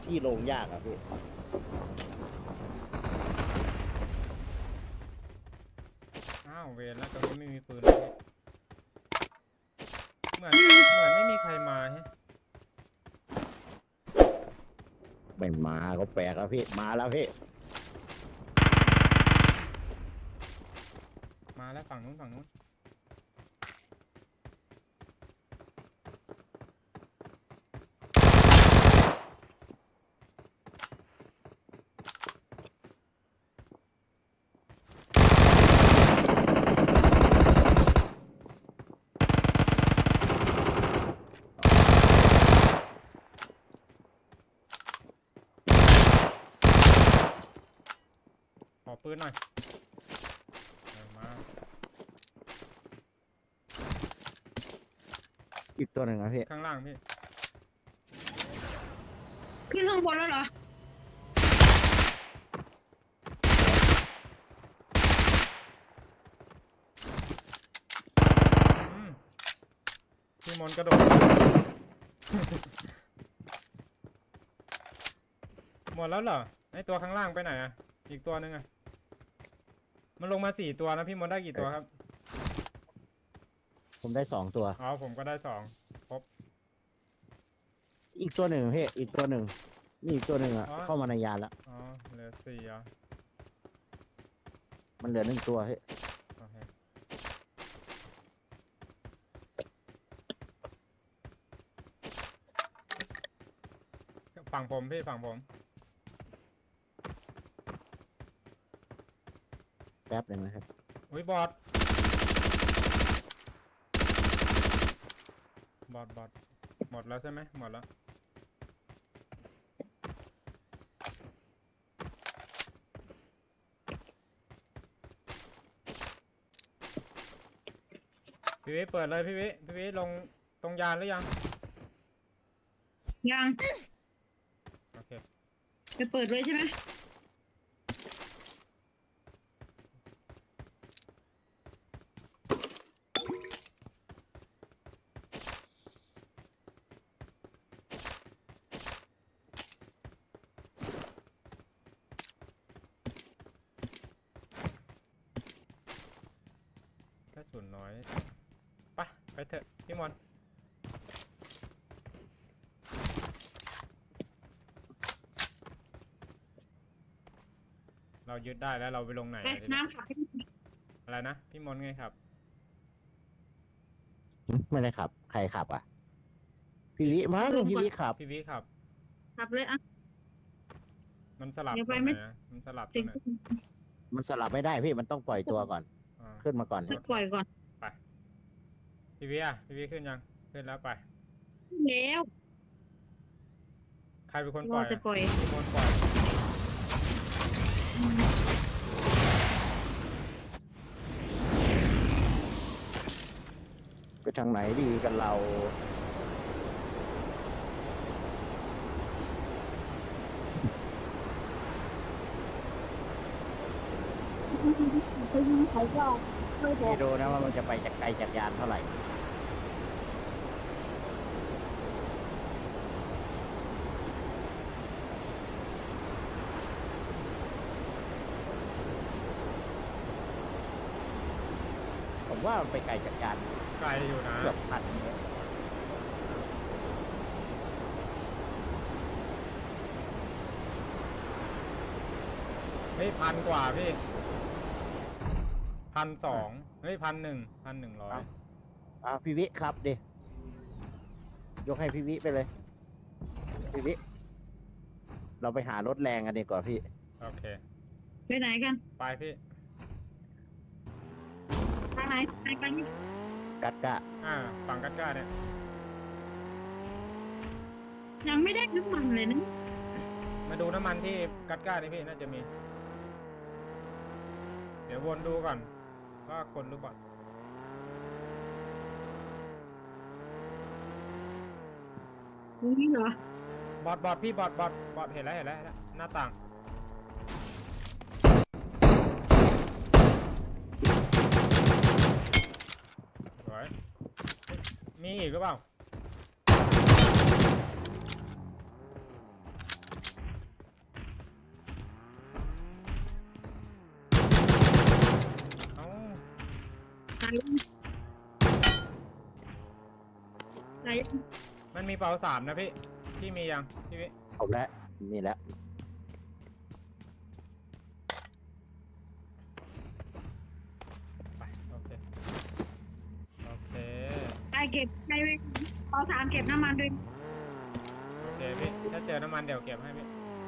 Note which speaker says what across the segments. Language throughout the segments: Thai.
Speaker 1: ที่ลงยากอะพี่
Speaker 2: อ้าวเวรแล้วตรงนี้ไม่มีปืนเลยเหมือนไม่มีใครมาฮะ
Speaker 1: ไม่มาก็แปลกแล้วพี่มาแล้วพี่
Speaker 2: มาแล้วฝั่งนู้นขอปืนหน่อยมา
Speaker 1: อีกตัวหนึ่งนะพี่
Speaker 2: ข้างล่างพี่
Speaker 3: ขึ้นข้างบนแล้วเหรอ
Speaker 2: พี่มนต์กระโดด หมดแล้วเหรอไอตัวข้างล่างไปไหนอ่ะอีกตัวนึงอ่ะมันลงมา4 ตัวนะพี่มนต์ได้กี่ตัวครับ
Speaker 1: ผมได้2 ตัว
Speaker 2: อ๋อผมก็ได้2ครบ
Speaker 1: อีกตัวหนึ่งพี่อีกตัวหนึ่งนี่อีกตัวหนึ่งอะ
Speaker 2: อ๋อ
Speaker 1: เข้ามาในยานแล้ว
Speaker 2: อ๋อเหลือ4อ่ะ
Speaker 1: มันเหลือ1 ตัวพี่
Speaker 2: โอเคฝั่งผมพี่ฝั่งผม
Speaker 1: แป๊บหนึ่งนะครับ
Speaker 2: อุ้ยบอทหมดแล้วใช่ไหมหมดแล้วพี่วิเปิดเลยพี่วิลงตรงยานหรือยัง
Speaker 3: ยัง
Speaker 2: โอเค
Speaker 3: จะเปิดเลยใช่ไหม
Speaker 2: กระสุนน้อยไปเถอะพี่มอนเรายึดได้แล้วเราไปลงไหน
Speaker 3: ไป
Speaker 2: อะทีนี้
Speaker 3: น้ำขับให้
Speaker 2: อะไรนะพี่มอนไงครับ
Speaker 1: ไม่ได้ขับใครขับอ่ะพี่วิมั้งพี่วิขับ
Speaker 2: พี่วิครับ
Speaker 3: ขับเลยอ่ะ
Speaker 2: มันสลับ
Speaker 3: เดี๋ยว
Speaker 2: ต
Speaker 3: ไป
Speaker 2: รง
Speaker 3: ไม่
Speaker 2: ไหนอะมันสลับตร
Speaker 3: ติ
Speaker 2: ง
Speaker 3: ด
Speaker 2: ไหน
Speaker 1: มันสลับไม่ได้พี่มันต้องปล่อยตัวก่อน
Speaker 2: อ่า
Speaker 1: ขึ้นมาก่อน
Speaker 3: จะปล่อยก่อน
Speaker 2: ไปพี่วิพี่วิขึ้นยังขึ้นแล้วไป
Speaker 3: แล้ว
Speaker 2: ใครเป็นคนป
Speaker 3: เรา
Speaker 2: ล่อย
Speaker 3: จะปล่อย
Speaker 2: พี่มอนปล่อย
Speaker 1: ไปทางไหนดีกันเราไม่รู้นะว่ามันจะไปจากไกลจากยานเท่าไหร่ผมว่ามันไปไกลจากยาน
Speaker 2: ไกลอยู่นะ
Speaker 1: เกือบ1,000 เมตร
Speaker 2: เฮ้ย1,000 กว่าพี่1,200เฮ้ย1,100
Speaker 1: พี่วิครับดิยกให้พี่วิไปเลยพี่วิเราไปหารถแรงกันดีกว่าพี่
Speaker 2: โอเค
Speaker 3: ไปไหนกัน
Speaker 2: ไปพี่
Speaker 3: ทางไหนไปกัน
Speaker 1: กัดกะ
Speaker 2: ฝั่งกัดก้าเนี่ย
Speaker 3: ยังไม่ได้น้ำมันเลยนะ
Speaker 2: มาดูน้ำมันที่กัดก้านี่พี่น่าจะมี เดี๋ยววนดูก่อนว่าคนหรือเปล่า
Speaker 3: ตรงนี้เหรอบ
Speaker 2: อทพี่บอทเห็นแล้วหน้าต่างสวยมีอีกหรือเปล่า
Speaker 3: ไหน
Speaker 2: มันมีเป๋า3นะพี่พี่มียังพี่วิ
Speaker 1: ผมแล้วนี่แล้ว
Speaker 2: ไปโอเคโอเค
Speaker 3: ไปเก็บไปเอาสามเก็บน้ำมันด้วย
Speaker 2: โอเคพี่ถ้าเจอน้ำมันเดี๋ยวเก็บให้พี่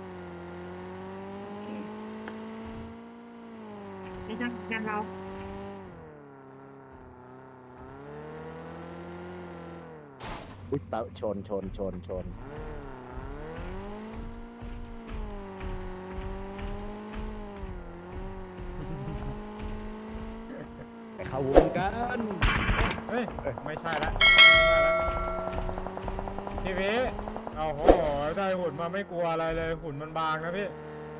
Speaker 3: ไปทำกันเรา
Speaker 1: อุ๊ยเตาชน ไปเข้าวงกัน
Speaker 2: เฮ้ยไม่ใช่ละพี่วิโอ้โหได้หุ่นมาไม่กลัวอะไรเลยหุ่นมันบางนะพี่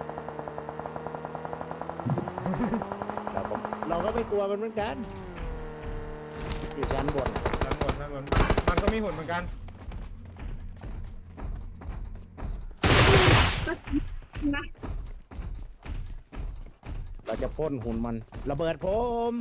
Speaker 1: เราก็ไม่กลัวมันเหมือนกันอยู่ชั้นบน
Speaker 2: ทั้งหมดมันก็มีหุ่นเหมือนกัน
Speaker 3: นะ
Speaker 1: เราจะพ่นหุ่นมันระเบิดผม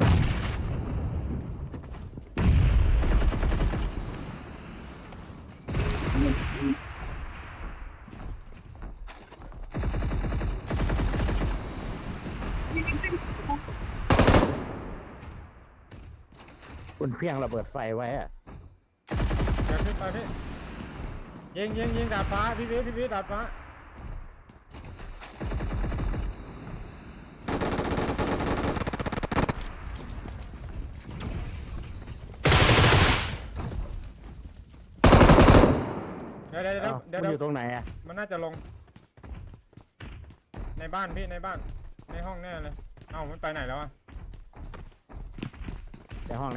Speaker 1: คุณเพียงระเบิดไฟไว้อะ
Speaker 2: เดี๋ยวขึ้นไปพี่ยิงดาดฟ้าพี่วิดาดฟ้าเดี๋ยว
Speaker 1: อ้าวมันอยู่ตรงไหนอะ
Speaker 2: มันน่าจะลง ในบ้านพี่ในบ้านในห้องแน่เลยเอ้ามันไปไหนแล้วอะ
Speaker 1: ในห้อง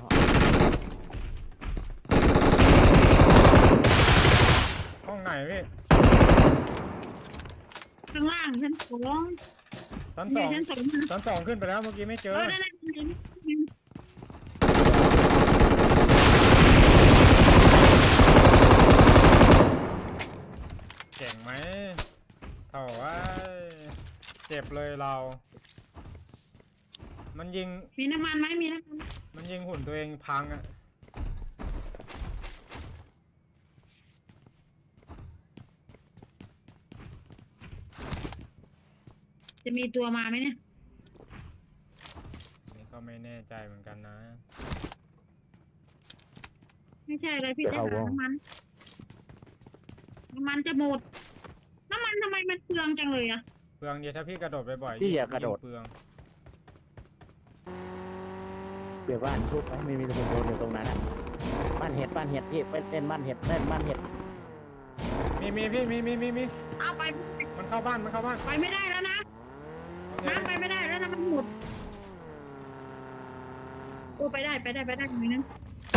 Speaker 2: ห้องไหนพี่
Speaker 3: ข้างล่างชั้นสอง
Speaker 2: ชั้น
Speaker 3: มี
Speaker 2: 2
Speaker 3: ชั้นสองนะ
Speaker 2: ชั้น 2ขึ้นไปแล้วเมื่อกี้ไม่เจอ
Speaker 3: ได้
Speaker 2: เก่งไหมเท่าว่าเจ็บเลยเรา มันยิง
Speaker 3: มีน้ำมันไหมมีน้ำมัน
Speaker 2: มันยิงหุ่นตัวเองพังอะ
Speaker 3: จะมีตัวมาไหมเนี่ย
Speaker 2: นี่ก็ไม่แน่ใจเหมือนกันนะ
Speaker 3: ไม่ใช่อะไรพี่จะหาน้ำมันจะหมดน้ำมันทำไมมันเปลืองจังเลยอะ
Speaker 2: เปลืองเดียวถ้าพี่กระโดดบ่อยๆ
Speaker 1: พี่อย่ากระโดด
Speaker 2: งเปลือง
Speaker 1: เดี๋ยวบ้านชุบไว้ไม่มีคนโดนอยู่ตรงนั้นอะบ้านเห็ดพี่ไปเล่นบ้านเห็ด
Speaker 2: มีพี่มี
Speaker 3: เอาไป
Speaker 2: มันเข้าบ้าน
Speaker 3: ไปไม่ได้แล้วนะ
Speaker 2: โอเค
Speaker 3: น้ำไปไม่ได้แล้วนะมันหมดโอ้ไปได้มีนึง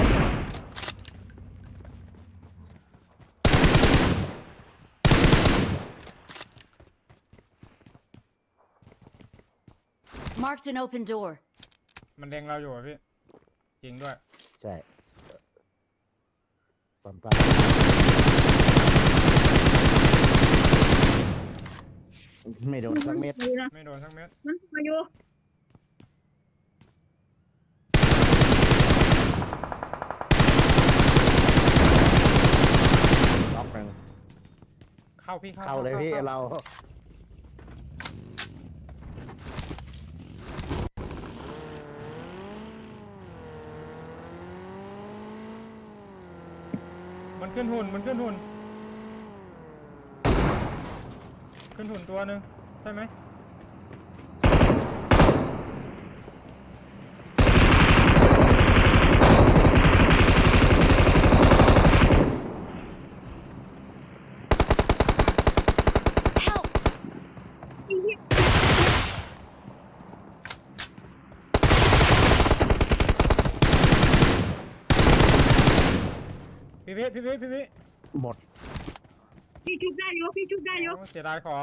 Speaker 4: Marked an open door.
Speaker 2: มันเล็งเราอยู่อะพี่ จริงด้วย
Speaker 1: ใช่ปั๊มไม่โดนสักเม็ด
Speaker 2: ไม่โดนสักเม็ด
Speaker 3: มันมาอยู่
Speaker 1: ล็อกหนึ่ง
Speaker 2: เข้าพี่
Speaker 1: เข้าเลยพี่เรา
Speaker 2: มันขึ้นหุ่นขึ้นหุ่นตัวหนึ่งใช่ไหม
Speaker 4: Help!
Speaker 2: พี่วิ
Speaker 1: หมด
Speaker 3: พี่ชุบได้อยู่
Speaker 2: โอ้เสียดายของ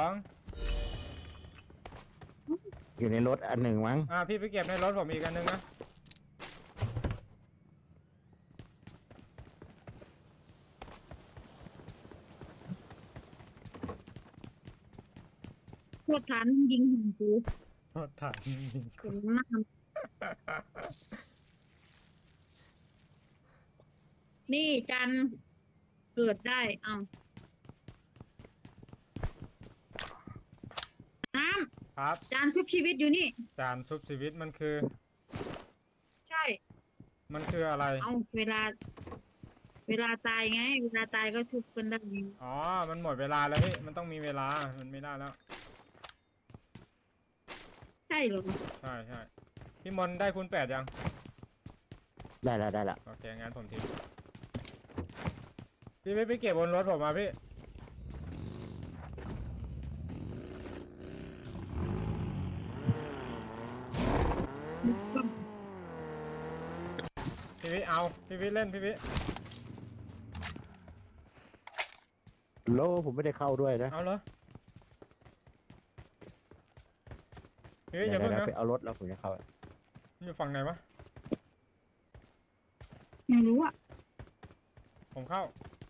Speaker 1: อยู่ในรถอันหนึ่งมั้ง
Speaker 2: พี่ไปเก็บในรถผมอีกอันนึงนะ
Speaker 3: โคตรฐานยิงหัวกู
Speaker 2: ถ่าย
Speaker 3: เห็นหน้านี่จันเกิดได้เอาน้
Speaker 2: ครับ
Speaker 3: ำจานชุบชีวิตอยู่นี่
Speaker 2: จานชุบชีวิตมันคือ
Speaker 3: ใช่
Speaker 2: มันคืออะไร
Speaker 3: เอาเวลาตายไง เวลาตายก็ชุบกันได้
Speaker 2: อ๋อ มันหมดเวลาแล้วพี่ มันต้องมีเวลา มันไม่ได้แล้ว
Speaker 3: ใช่เหรอ
Speaker 2: ใช่ใช่พี่มนต์ได้คูณ8ยัง
Speaker 1: ได้แล้วได้แล้ว
Speaker 2: โอเค งั้นผมทิ้งพี่ไปเก็บบนรถผมมาพี่ พี่วิเอา พี่วิเล่น พี่วิ
Speaker 1: โลผมไม่ได้เข้าด้วยนะ
Speaker 2: เอาเหรอ พี่วิ
Speaker 1: เดี๋
Speaker 2: อย่า
Speaker 1: ยว
Speaker 2: เพิ่งนะ
Speaker 1: ไปเอารถแล้วผมจะเข้า
Speaker 2: มันอยู่ฝั่งไหนวะ
Speaker 3: ไม่รู้อ่ะ
Speaker 2: ผมเข้า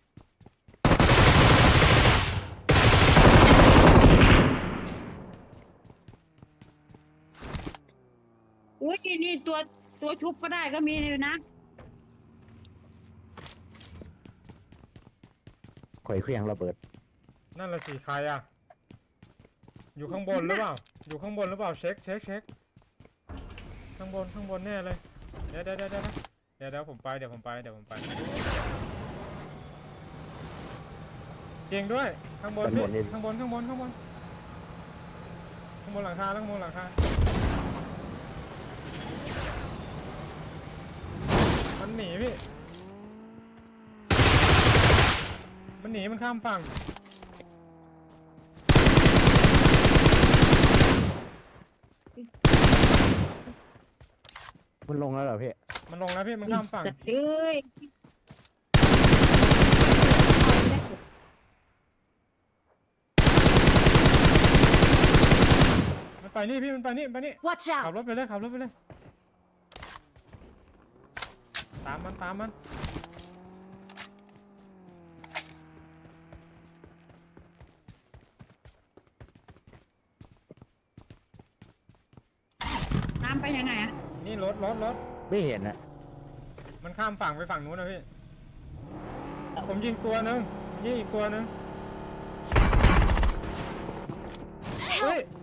Speaker 3: อุ้ยนี่ตัวชุบก็ได้ก็มีเลยนะ
Speaker 1: ข่อยเครื่องระเบิด
Speaker 2: นั่นละสิใครอะอยู่ข้างบนหรือเปล่า อยู่ข้างบนหรือเปล่า เช็คข้างบนแน่เลย เดี๋ยวผมไป เดี๋ยวผมไปจริงด้วย ข้างบนพี่ข้างบนหลังคามันหนีพี่ มันหนีมันข้ามฝั่ง
Speaker 1: มันลงแล้วเหรอพี่
Speaker 2: มันลงแล้วพี่ มันข้ามฝั่ง
Speaker 3: สัตว์เอ้ย
Speaker 2: มันไปนี่พี่ มันไปนี่
Speaker 4: Watch
Speaker 2: ขับรถ
Speaker 4: out!
Speaker 2: ไปเลย ตามมัน
Speaker 3: น้ำไปยังไงอ่ะ
Speaker 2: นี่รถ
Speaker 1: ไม่เห็นนะ
Speaker 2: มันข้ามฝั่งไปฝั่งนู้นนะพี่ ผมยิงตัวหนึงยิงอีกตัวหนึงเฮ้ย